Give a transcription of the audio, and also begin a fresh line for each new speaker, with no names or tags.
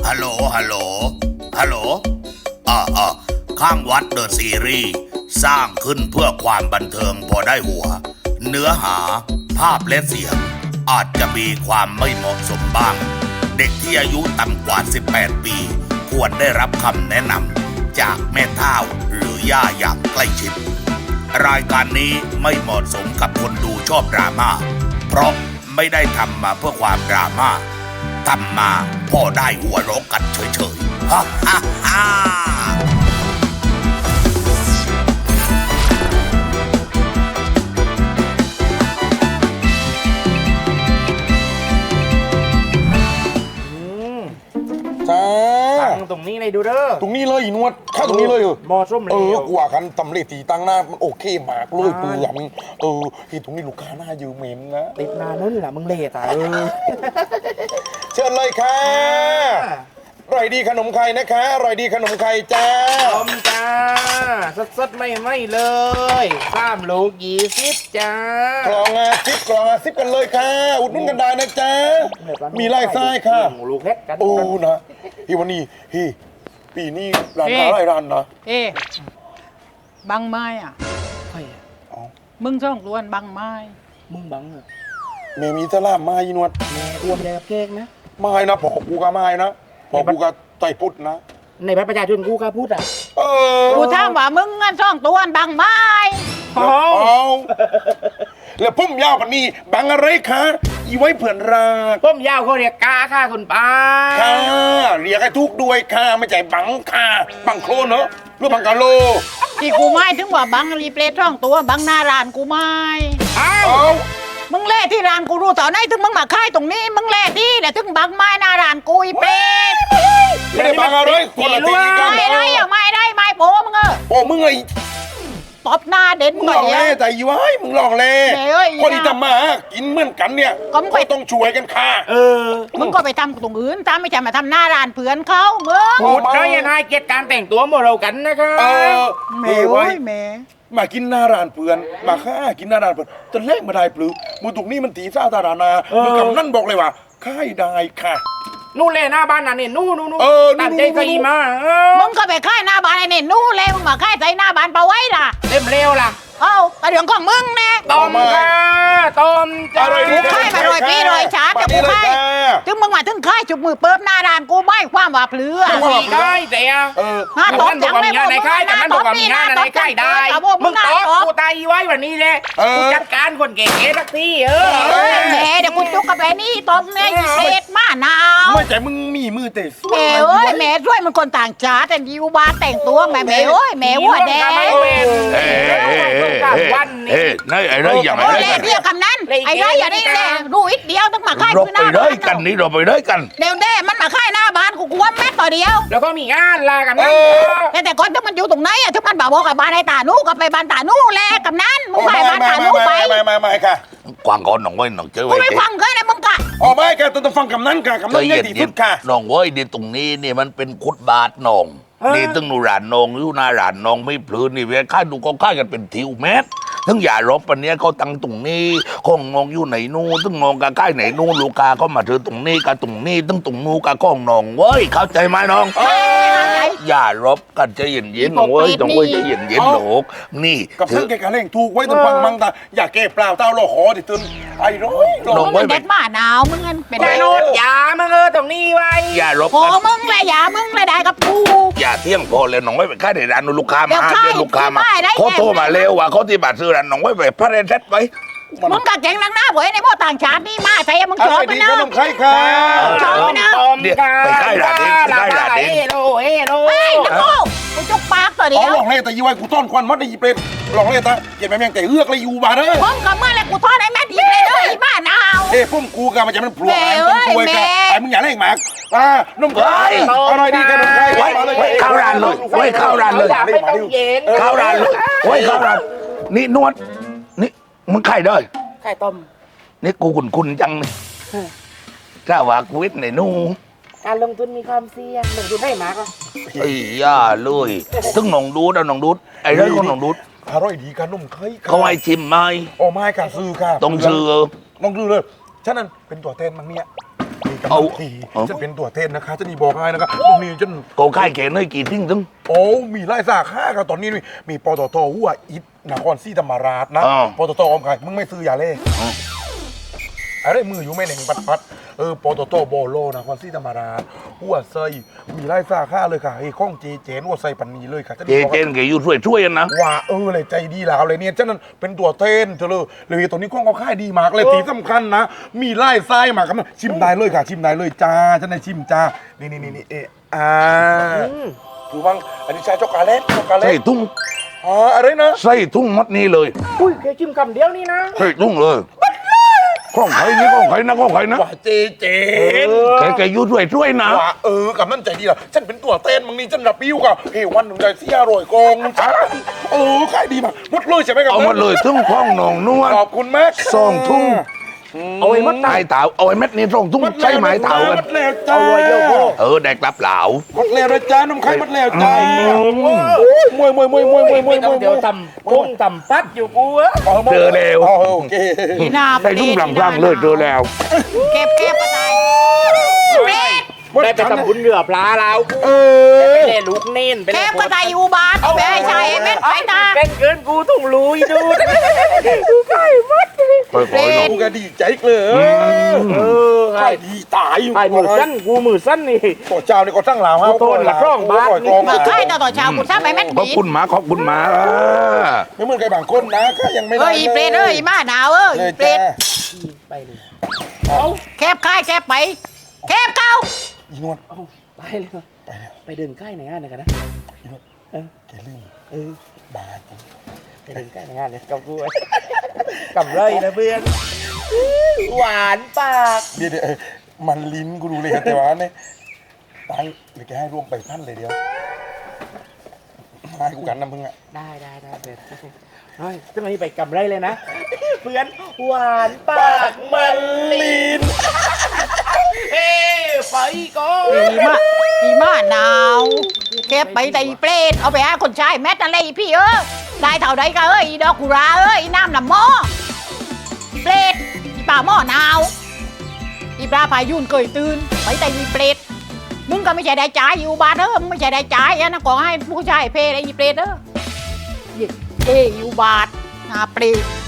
ฮัลโหลฮัลโหลฮัลโหลข้างวัดเดอะซีรีส์สร้างขึ้นเพื่อความบันเทิงพอได้หัวเนื้อหาภาพและเสียงอาจจะมีความไม่เหมาะสมบ้างเด็กที่อายุต่ำกว่า18ปีควรได้รับคำแนะนำจากแม่เฒ่าหรือย่าอย่างใกล้ชิดรายการนี้ไม่เหมาะสมกับคนดูชอบดราม่าเพราะไม่ได้ทำมาเพื่อความดราม่าทำมาพอได้หัวเราะกันเฉยๆฮ่าฮ่าฮ่า
จ้า
ตั้งตรงนี้เลยดูเด้อ
ตรงนี้เลยอีนวดเข้าตรงนี้เลยเหรอ
มอส้มเลย
กว่ากันตำเลตีตั้งหน้ามันโอเคมากเลยเปลือกที่ตรงนี้ลูกค้าหน้ายืมเหม็นนะ
ติดนานนั่นแหละมึงเละตาย
เชิญเลยค่ะอร่อยดีขนมไข่นะคะอร่อยดีขนมไข่จ้า
ต้มจ้าสดๆไม่เลย3 ลูก20จ้าก
ล่องอาซิปกันเลยค่ะอุดหนุนกันได้นะจ๊ะมีไล่ไส้ค่ะ
ลูกเล็กกัน
โอ้นะวันนี้ปีนี้ร้านค้าหลายร้านนะ
เอ๊ะบังไม้อ่ะ
ใครอะ
มึงช่องล้วนบังไม้
มึงบังเหรอ
เมมีสลามมาอีนวด
แม่อ้วนแดบเค้กนะ
ไม่นะพอกูก็ไม่นะพอกูก็ใจพุทธนะ
ในบัตรประชาชนกูกล้าพูดอ่ะ
กูถามว่ามึงงั้นช่องตัวนบังไม้
เอาแล้วพุ่มยาวปันนี้บังอะไรคะอีไว้เผื่อนรัก
ต้มยาวเขาเรียกกาค่ะคุณป้า
ค่ะเรียกให้ทุกด้วยค่ะไม่ใจบังค่ะบังโคลนเนอะหรือบังกะโล
ที่กูไม่ถึงว่าบังรีเพลย์ช่องตัวบังหน้าร้านกูไม่
อ้าว
เอา
มึงเล่ที่ร้านกูรู้ต่อไหนถึงมึงมาค่ายตรงนี้มึงเล่ที่แต่ถึงบังไม้หน้าร้านกูอีเป็ด
ไม่ได้บังอะไรคนละทีกัน
ไม่ได้อะไม่ได้ไม่โป้มึงเออ
โอ้มึงไง
ตบหน้าเด่น
มึง
ห
ห
น่
ล
อย
อก
เดียว
เล่แต่อีไว้มึงหลอกเล่
แม่เอ้ย
คนที่ทำมาหากินเหมือนกันเนี่ย
ก็มึงไป
ต้องช่วยกันค่ะ
มึงก็ไปทำตรงอื่นตามไม่ใช่มาทำหน้าร้านเพื่อนเขามึง
พูดได้ยังไงเกียรติการแต่งตัวเมื่อเรากันนะคะ
แม่
ไว้
โอ้ยแม่
มากินหน้าร้านเพื่อนมาค่ากินหน้าร้านเพื่อนจนเละมาได้ปลือมือตรงนี้มันตีซ่าตารานามือกำนั่นบอกเลยว่าค่ายได้ค่ะ
นู่นเลยหน้าบ้านน่ะเนี่ยนู่น ตัดใจใส่มา
มึงก็ไปค่ายหน้าบ้านไอ้เนี่ยนู่นเลยมึงมาค่ายใส่หน้าบ้านปะไว้ล่ะ
เต็มเร็วล่ะ
เอ้าแต่เรื่องของมึงแน่
ต้มค่ะต้มจ้า
กูค่ายมาโรยปีโรยชาแต่กูค่ายถึงมึงมาถึงค่ายจุบมือเปิบหน้าร้านกูไม่ความว่าเปลือ
มีค่ายแต่
หน้าตบจังไม่
งานในค่ายแต่นั่นบอกว่ามีงานในค่ายได้มึงตอบกูตายไว้วันนี้เลยกูจัดการคนเก๋ๆสักที
แหมเดี๋ยวกูจุกกับไอ้นี่ตบแม่เศษมาหนาว
ไม่ใจมึงมีมือเตะสว
แหม
ย
เอ้ยแหมช่วยมันคนต่างชาติแต่ยิวบาแต่งตัวแหมแหมเอ้ยแหมหัวแดง
วันนี้
นี่ไอ้ไรอย่าง
โอ้
ไร
เล่เรียกคำนั้นไอ้ไรอย่าได้เล่รู้อีกเดียวต้องมาค่าย
เรา
คือห
ไป
น้า
ได้
บ้าน
กันนี่เราไปได้กัน
เดี๋ยวเด้มันมาค่ายหน้าบ้านกูกลัวแม่ต่อเดียว
แล้วก็มีงานลากันนะ
แต่ก่อนถ้ามันอยู่ตรงไหนอะถ้ามันบอกกับบ้านไอ้ตานูก็ไปบ้านตานูแลกับนั้นมึงไปบ้านตานูไป
ไม่ค่ะ
กวางก่อนน้องไว้น้องเจอ
กู
ไว้
ไม่ฟังเคยนะมึงกะ
อ๋อไม่ค่ะต้องฟังคำนั้นค่ะคำนั้นใหญ่ที่สุดค่ะ
น้องไว้ดีตรงนี้นี่มันเป็นคุดบาทน้องนี่ตึงนูรานน้องอยู่หน้าร้านน้องไม่พลืนนี่เวลาค่าดูก็ค่ากันเป็นทิวเมตรทั้งอย่ารบปันเนี้ยเขาตั้งตรงนี้ข้องนองอยู่ไหนนู่นตึงนองกับค่ายไหนนู่นลูกค้าก็มาถือตรงนี้กับตรงนี้ตึงตรงนู้นกับข้องนองเว้ยเข้าใจไหมน้อง อย่ารบกันใจเย็นๆน้องเว้ยต้องเว้ยใจเย็นๆหนูนี่
กับ
ถื
ท่า
อน
แกการเล่งถูกไว้ต้องฟังมั่งตาอย่าแก้เปล่าเต้าเราหอดิตื่นไอ้ร้อย
มึงเป็นเด็กหมาหนาวมึงงั้นเป็น
ไปโนดอย่ามึงตรงนี้ไว้
อย่ารบ
โอ้
กัน
มึงเลยอย่ามึงเลยได้กับกู
อย่าเที่ยงพอเลยน้องไว้ไปค่ายในร้านนู้นลูกค้า
เดี๋
มา
ยวค่าย
เรียกลูกค้ามา
ที่บ้านได้
เขาโทรมา
แน่
เร็วว่าเขาที่บัตรซื้อร้านน้องไว้ไปพระเรนเซ็ตไว้
มึงกะเก่งนักหน้าเว้ยในพวกต่างชาตินี่มาใส่มึง
อะ
ช
ไร
อบมั
ดี
นนะ
ขนมไข่ค่ะ
ชอบมันนะ
เดี๋ยวไปใกล้ร้านนี้ไปใกล้ร้านนี้
เอโล
ไอ้ตะโก้กูจุกปากตัวเดี
อ๋อ
ยว
หลอกเล่แต่ยี่ไว้กูต้อนควันมัดได้ยี่เป็นหลอกเล่ตาเห็นไหมแม่งแต่เอื้อกเลยอยู่บาเด้อ
ผมกับเมื่อไรกูทอดไอ้แม่ดีเลยเด้อไอ้บ้าหนาว
เอ้พุ่มกูกันมันจะมันพลวงมันช่วยกันไอ้มึงอย่าเล่งหมากนมไข่อะไรดีขนมไข่
ไว้เข้าร้านเลยไว้เข้าร้านเลย
อย่าไม่ต้องเย็น
เข้าร้านเลยไว้เข้าร้านนี่นวดนี่มึงใครเด้อ
ไข่ต้ม
นี่กูคุณจังเลยถ้าว่ากูวิทย์ในนู่
การลงทุนมีความเสี่ยงลงทุนได้มากอ่ะ
ไอ้ย่าเลยถึงหนองดูดเอาหนองดูดไอ้เรื่องของหนองดูด
อร่อยดีขนมไข่
เขาให้ชิมไหม
โอ้ไม่ค่ะซื้อค่ะ
ต้องซื้อ
ต้องซื้อเลยฉะนั้นเป็นตัวแทนมั้งเนี่ยเอาจะเป็นตัวเต้นนะคะจะนี่บอกให้นะคะตรงนี้จน
ก็ค่ายแกนให้กี่ทิ้งถึง
โอ้มีไล่สาขาครับตอนนี้มีปตทหัวอิฐนครศรีธรรมราชนะปตทออมไก่มึงไม่ซื้อยาเล่อะไรมืออยู่ไม่เหน่งปัดปตทโบโลนครศรีธรรมราชหัวไซมีไล่สาขาเลยค่ะไอ้ข้องเจเจนหัวไซปันนีเลยค่ะ
เจเจนแกอยู่ช่วยๆกันนะ
ว่าเลยใจดีแล้วเลยเนี่ยฉะนั้นเป็นตัวเต้นเธอเลยตัวนี้ข้องก็ค่ายดีมากเลยที่สำคัญนะมีไล่ไส้มาครับชิมได้เลยค่ะชิมได้เลยจ้าฉันได้ชิมจ้านี่ถือว่าอันนี้ใช้ช็อกโกแลต
ใส่ทุ่ง
อะไรนะ
ใส่ทุ่งมัดนี้เลย
อุ้ยแค่จิ้มคำเดียวนี่นะ
ใส่ทุ่งเลยข้องใครนี่ข้องใครนะข้องใครนะ
ว่าเจเจน
แกอยู่ช่วยๆนะ
ว่ากับนั่นใจดีล่ะฉันเป็นตัวเต้นมึงนี่ฉันรับปิ้วกับวันหนึ่งใจเสียอร่อยกองจ้าขายดีมากหมดเลยใช่ไหมครับ
เอาหมดเลยทุ่งข้องหนองนวล
ขอบคุณมาก
สองทุ่ง
เอาไว้มัด
ไม้เต่าเอาไอ้เม็ดนี้ส่งทุ่งใช้ไม้เต่ากัน
หมดแล้วจ้า
ได้กลับเหลา
หมดแล้วนะจ้าน้ำไข่หมดแล้วจ้ามวย
เดี๋ยวทำกุ้งทำปัดอยู่กูอะ
เจอแล้ว
โอเค
พี่นา
ใส่ทุ่งพลังๆเลยเจอแล้ว
เก็บก็ได้เด็ด
ได้ไปทำบุญเหลือปลาแล้วกูไปเล่ลูกเน้นไป
เก็
เล่
บก็ได้อยู่บ้านเอาไปให้ชายเม็ดไปตา
เป็นเกินกูต้องรู้ดูกูไก่มัด
ค่อยๆหน่อย
กูก็ดีใจเลยไข่ดีตายอยู่
ไก่มือสั้นกูมือสั้นนี่
ตัวเจ้านี่ก็ตั้งหลาว
โทษละร่องบาท
มือใกล้ต่อเช้าคุณทราบไหมแม่น
ขอบคุณหมาขอบคุณหมา
ไม่เหมือนใครบางคนนะก็ยังไม่ได้
อีเปรตอีมาหนาวอีเปรต
ไปเลย
แคบค่ายแคบไปแคบเก้า
อีนวล
ไปเลยไปเดินใกล้ในงานกันนะ
แกลืมบาท
ไปเดินใกล้ในงานเลยกับกูกับไรนะเพื่อนหวานปาก
เดี๋ยวมันลิ้นกูดูเลยแต่ว่าเนี่ยตังเดี๋ยวแกให้รวมไปพันเลยเดียวให้กูกันนะมึงอ่ะ
ได้เพื่อนเฮ้ยจะมาไปกับไรเลยนะเพื่อนหวานปากมันลิ้นเฮ้ไปก่อน
อีมาหนาวแคบไปแต่อีเปรตเอาไปหาคนชายแม่อะไรพี่ได้เท่าใดก็อีดอกกุราอีน้ำลำหม้ออีเปรตอีป่าหม้อหนาวอีปลาพายุนเคยตื่นไปแต่อีเปรตมึงก็ไม่ใช่ได้จ่ายอยู่บ้านมึงไม่ใช่ได้จ่ายนะก็ให้ผู้ชายเพลไอ้อีเปรตอยู่บาทนาเปรต